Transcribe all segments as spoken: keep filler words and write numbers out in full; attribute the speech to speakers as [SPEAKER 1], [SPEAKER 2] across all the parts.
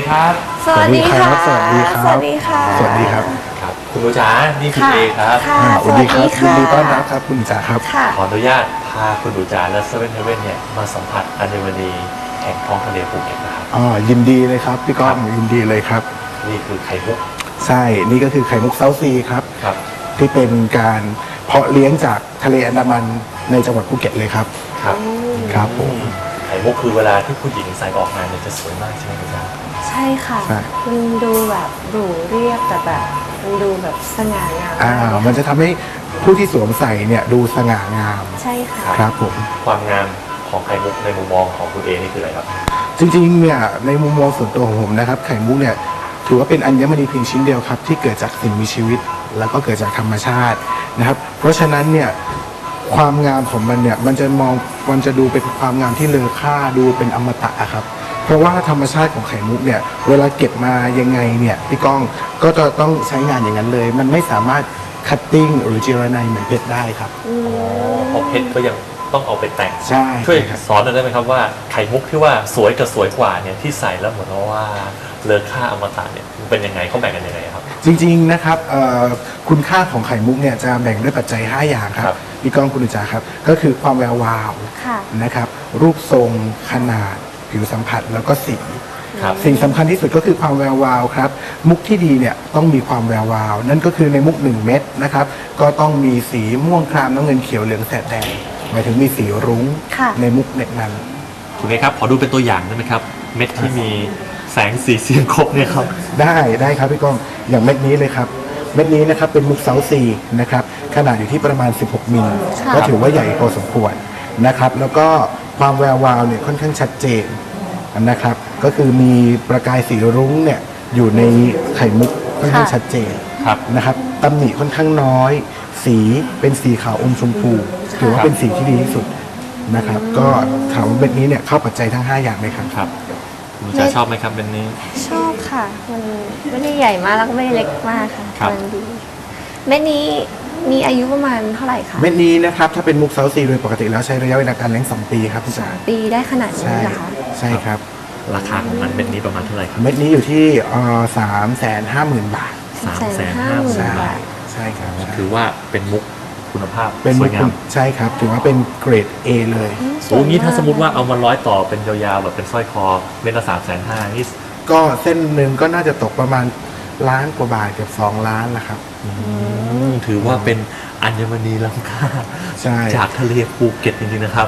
[SPEAKER 1] ครับ
[SPEAKER 2] สวัสดีค่ะ
[SPEAKER 3] สวัสดีครับ
[SPEAKER 2] สวัสดีค่ะ
[SPEAKER 3] สวัสดีครับ
[SPEAKER 1] ครับคุณหนูจ๋านี่คุณ
[SPEAKER 2] ค่ะ
[SPEAKER 1] เอครับ
[SPEAKER 2] ค่ะ
[SPEAKER 3] อ่าสวัสดีครับ
[SPEAKER 2] สวั
[SPEAKER 3] ยิน
[SPEAKER 2] ส
[SPEAKER 3] ดี
[SPEAKER 2] ดีค่ะ
[SPEAKER 3] ต้อนรับครับคุณจ๋าครับ
[SPEAKER 2] ค่ะ
[SPEAKER 1] ขออนุญาตพาคุณหนูจ๋าและเซเว่นเฮเว่นเนี่ยมาสัมผัสอัญมณีแห่งท้องทะเลภูเก็ตนะครับ
[SPEAKER 3] อ๋อยินดีเลยครับพี่ก้องยินดีเลยครับ
[SPEAKER 1] นี่คือไข่มุก
[SPEAKER 3] ใช่นี่ก็คือไข่มุกเซาซีครับ
[SPEAKER 1] ครับ
[SPEAKER 3] ที่เป็นการเพาะเลี้ยงจากทะเลอันดามันในจังหวัดภูเก็ตเลยครับ
[SPEAKER 1] ครับ
[SPEAKER 3] ครับผม
[SPEAKER 1] ไข่มุกคือเวลาที่ผู้หญิงใส่ออกงานเนี่ยจะสวยมากใช่ไหมคุณจ๋า
[SPEAKER 2] ใช่ค่ะ
[SPEAKER 3] ใช่
[SPEAKER 2] มันดูแบบหรูเรียบแต่แบบมันดูแบบสง่างาม
[SPEAKER 3] อ่ามันจะทำให้ผู้ที่สวมใส่เนี่ยดูสง่างาม
[SPEAKER 2] ใช่ค่ะ
[SPEAKER 3] ครับผม
[SPEAKER 1] ความงามของไข่มุกในมุมมองของคุณเอนี่คืออะไรครับ
[SPEAKER 3] จริงๆเนี่ยในมุมมองส่วนตัวของผมนะครับไข่มุกเนี่ยถือว่าเป็นอัญมณีเพียงชิ้นเดียวครับที่เกิดจากสิ่งมีชีวิต แล้วก็เกิดจากธรรมชาตินะครับ เพราะฉะนั้นเนี่ยความงามของมันเนี่ยมันจะมองมันจะดูเป็นความงามที่เลอค่าดูเป็นอมตะอะครับ เพราะว่าธรรมชาติของไข่มุกเนี่ยเวลาเก็บมายังไงเนี่ยพี่ก้องก็จะต้องใช้งานอย่างนั้นเลย มันไม่สามารถคัตติ้งหรือเจรไนเหมือนเพชรได้ครับ
[SPEAKER 2] อืม
[SPEAKER 1] เพราะเพชรก็ยังต้องเอาไปแต่ง
[SPEAKER 3] ใช่
[SPEAKER 1] ช่วย
[SPEAKER 3] ครับ
[SPEAKER 1] สอนหน่อยได้ไหมครับว่าไข่มุกที่ว่าสวยกับสวยกว่าเนี่ยที่ใส่แล้วเหมือนว่าเลอค่าอมตะเนี่ยมันเป็นยังไงเขาแบ่งกันยังไงครับ
[SPEAKER 3] จริงๆนะครับเอ่อคุณค่าของไข่มุกเนี่ยจะแบ่งด้วยปัจจัย ห้า อย่างค
[SPEAKER 1] ครั
[SPEAKER 3] รับบ พี่ก้องคุณอุจาครับก็คือความแวววาว
[SPEAKER 2] ค่ะ
[SPEAKER 3] นะครับรูปทรงขนาดผิวสัมผัสแล้วก็สี
[SPEAKER 1] ครับ
[SPEAKER 3] สิ่งสำคัญที่สุดก็คือความแวววาวครับมุกที่ดีเนี่ยต้องมีความแวววาว นั่นก็คือในมุกหนึ่งเม็ดนะครับก็ต้องมีสีม่วงครามน้ำเงินเขียวเหลืองแสดแดงหมายถึงมีสีรุ้ง
[SPEAKER 2] ค่ะ
[SPEAKER 3] ในมุกเน็ตนั้น
[SPEAKER 1] คุณเอครับขอดูเป็นตัวอย่างได้ไหมครับ เม็ดที่มีแสงสีเสียงครบเนี่ยครับ
[SPEAKER 3] ได้ได้ครับพี่ก้องอย่างเม็ดนี้เลยครับเม็ดนี้นะครับเป็นมุกเซาซีนะครับขนาดอยู่ที่ประมาณสิบหกมิล
[SPEAKER 2] ค่ะ
[SPEAKER 3] ก็ถือว่าใหญ่พอสมควรนะครับแล้วก็ความแวววาวเนี่ยค่อนข้างชัดเจนนะครับก็คือมีประกายสีรุ้งเนี่ยอยู่ในไข่มุกค่อนข้างชัดเจน
[SPEAKER 1] ครับ
[SPEAKER 3] นะครับตำหนิค่อนข้างน้อย สีเป็นสีขาวอมชมพูถือว่าเป็นสีที่ดีที่สุดนะครับก็ถามว่าเม็ดนี้เนี่ยเข้าปัจจัยทั้งห้าอย่างไหมครับ
[SPEAKER 1] ครับคุณจ๋าชอบไหมครับเป็นนี้
[SPEAKER 2] ชอบค่ะ มันไม่ได้ใหญ่มากแล้วก็ไม่ได้เล็กมากค่ะ
[SPEAKER 1] ครับ
[SPEAKER 2] มันดีเม็ดนี้มีอายุประมาณเท่าไหร่คะ
[SPEAKER 3] เม็ดนี้นะครับถ้าเป็นมุกเซาซีโดยปกติแล้วใช้ระยะเวลาการเลี้ยงสองปีครับพี่จ๋า
[SPEAKER 2] ปีได้ขนาดนี้
[SPEAKER 3] ใช่
[SPEAKER 2] เหรอคะ
[SPEAKER 3] ใช่ครับ
[SPEAKER 1] ราคาของมันเม็ดนี้ประมาณเท่าไหร่ครับ
[SPEAKER 3] เม็ดนี้อยู่ที่สามแสนห้าหมื่นบาท
[SPEAKER 1] สามแสนห้าหมื่น
[SPEAKER 3] ใช่
[SPEAKER 1] บาท
[SPEAKER 3] ใช่ครับ
[SPEAKER 1] ถือว่าเป็นมุกคุณภาพ
[SPEAKER 3] เป็น
[SPEAKER 1] ส
[SPEAKER 3] มุ
[SPEAKER 1] ว
[SPEAKER 3] ก
[SPEAKER 1] ยงาม
[SPEAKER 3] ใช่ครับถือว่าเป็นเกรด A เลย
[SPEAKER 2] อืมสวย
[SPEAKER 1] โอ้งี้ถ้าสมมติว่า
[SPEAKER 2] ก
[SPEAKER 1] เอามาร้อยต่อเป็นยาวๆแบบเป็นสร้อยคอเม็ดละสามแสนห้านี่
[SPEAKER 3] ก็เส้นหนึ่งก็น่าจะตกประมาณล้านกว่าบาทเกือบสองล้านละครับ
[SPEAKER 1] ถือว่าเป็นอัญมณีล้ำค่า
[SPEAKER 3] ใช่
[SPEAKER 1] จากทะเลภูเก็ตจริงๆนะครับ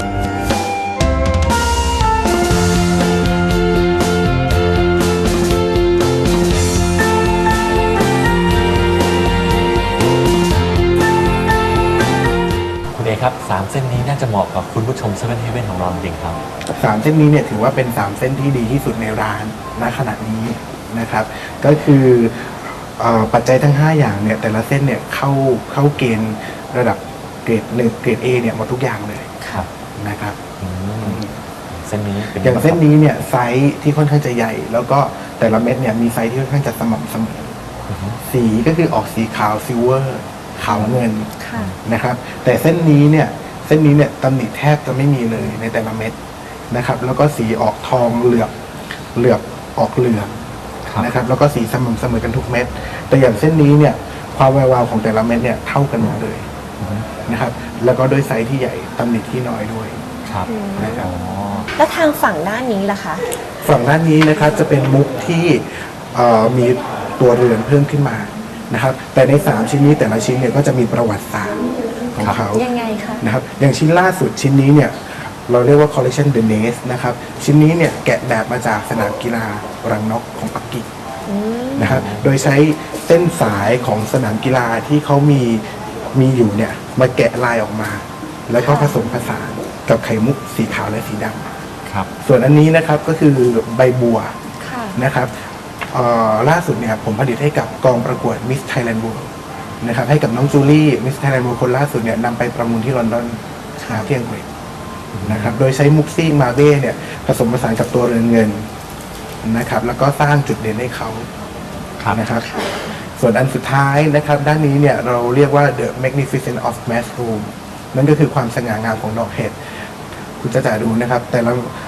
[SPEAKER 1] คุณเอครับสามเส้นนี้น่าจะเหมาะกับคุณผู้ชมเซเว่นเฮเว่นของเราจริงๆครับ
[SPEAKER 3] สามเส้นนี้เนี่ยถือว่าเป็นสามเส้นที่ดีที่สุดในร้านณขณะนี้นะครับ ก็คือเอ่อปัจจัยทั้ง ห้า อย่างเนี่ยแต่ละเส้นเนี่ยเข้าเข้าเกณฑ์ระดับเกรดหนึ่งเกรด A เนี่ยหมดทุกอย่างเลย
[SPEAKER 1] ครับ
[SPEAKER 3] นะครับ
[SPEAKER 1] อืมเส้นนี้เป็น
[SPEAKER 3] อย่างเส้นนี้เนี่ยไซส์ที่ค่อนข้างจะใหญ่ แล้วก็แต่ละเม็ดเนี่ยมีไซส์ที่ค่อนข้างจะสม่ำเสมอสีก็คือออกสีขาวซิลเวอร์ขาวเงิน
[SPEAKER 2] ค่ะ
[SPEAKER 3] นะครับ แต่เส้นนี้เนี่ยเส้นนี้เนี่ยตำหนิแทบจะไม่มีเลยในแต่ละเม็ดนะครับ แล้วก็สีออกทองเหลือบเหลือบออกเหลือง
[SPEAKER 1] ครับ
[SPEAKER 3] นะครับ แล้วก็สีสม่ำเสมอกันทุกเม็ดแต่อย่างเส้นนี้เนี่ยความแวววาวของแต่ละเม็ดเนี่ยเท่ากันหมดเลยนะครับ แล้วก็ด้วยไซส์ที่ใหญ่ตำหนิที่น้อยด้วย
[SPEAKER 1] ครับ
[SPEAKER 3] นะครับ
[SPEAKER 1] อ๋อ
[SPEAKER 2] แล้วทางฝั่งด้านนี้ล่ะคะ
[SPEAKER 3] ฝั่งด้านนี้นะครับจะเป็นมุกที่เอ่อมีตัวเรือนเพิ่มขึ้นมานะครับ แต่ในสามชิ้นนี้แต่ละชิ้นเนี่ยก็จะมีประวัติศาสตร์ของเขา
[SPEAKER 2] ยังไงคะ
[SPEAKER 3] นะครับอย่างชิ้นล่าสุดชิ้นนี้เนี่ยเราเรียกว่า collection the nest นะครับชิ้นนี้เนี่ยแกะแบบมาจากสนามกีฬารังนกของปักกิ่ง
[SPEAKER 2] อืม
[SPEAKER 3] นะครับโดยใช้เส้นสายของสนามกีฬาที่เขามีมีอยู่เนี่ยมาแกะลายออกมา แล้วก็ผสมผสานกับไข่มุกสีขาวและสีดำ
[SPEAKER 1] ครับ
[SPEAKER 3] ส่วนอันนี้นะครับก็คือใบบัว
[SPEAKER 2] ค่ะ
[SPEAKER 3] นะครับเอ่อล่าสุดเนี่ยผมผลิตให้กับกองประกวด Miss Thailand World นะครับให้กับน้องจูลี่ Miss Thailand World คนล่าสุดเนี่ยนำไปประมูลที่ลอนดอนนะที่อังกฤษนะครับโดยใช้มุกซี่มาเบ้เนี่ยผสมผสานกับตัวเรือนเงินนะครับแล้วก็สร้างจุดเด่นให้เขา
[SPEAKER 1] ครับ
[SPEAKER 3] นะครับส่วนอันสุดท้ายนะครับด้านนี้เนี่ยเราเรียกว่า the magnificent of mushroom นั่นก็คือความสง่างามของดอกเห็ดคุณจะจะดูนะครับแต่ละ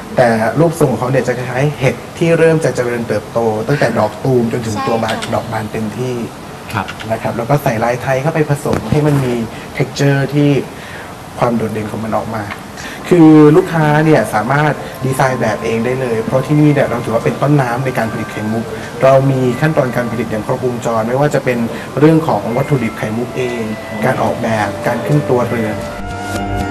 [SPEAKER 3] แต่รูปทรงของเขาเนี่ยจะคล้ายๆเห็ดที่เริ่มจะเจริญเติบโต ตั้งแต่ดอกตูมจนถึงตัวบานดอกบานเต็มที่
[SPEAKER 1] ครับ
[SPEAKER 3] นะครับแล้วก็ใส่ลายไทยเข้าไปผสมให้มันมี texture ที่ความโดดเด่นของมันออกมา คือลูกค้าเนี่ยสามารถดีไซน์แบบเองได้เลย เพราะที่นี่เนี่ยเราถือว่าเป็นต้นน้ำในการผลิตไข่มุก เรามีขั้นตอนการผลิตอย่างครบวงจร ไม่ว่าจะเป็นเรื่องของวัตถุดิบไข่มุกเอง การออกแบบการขึ้นตัวเรือน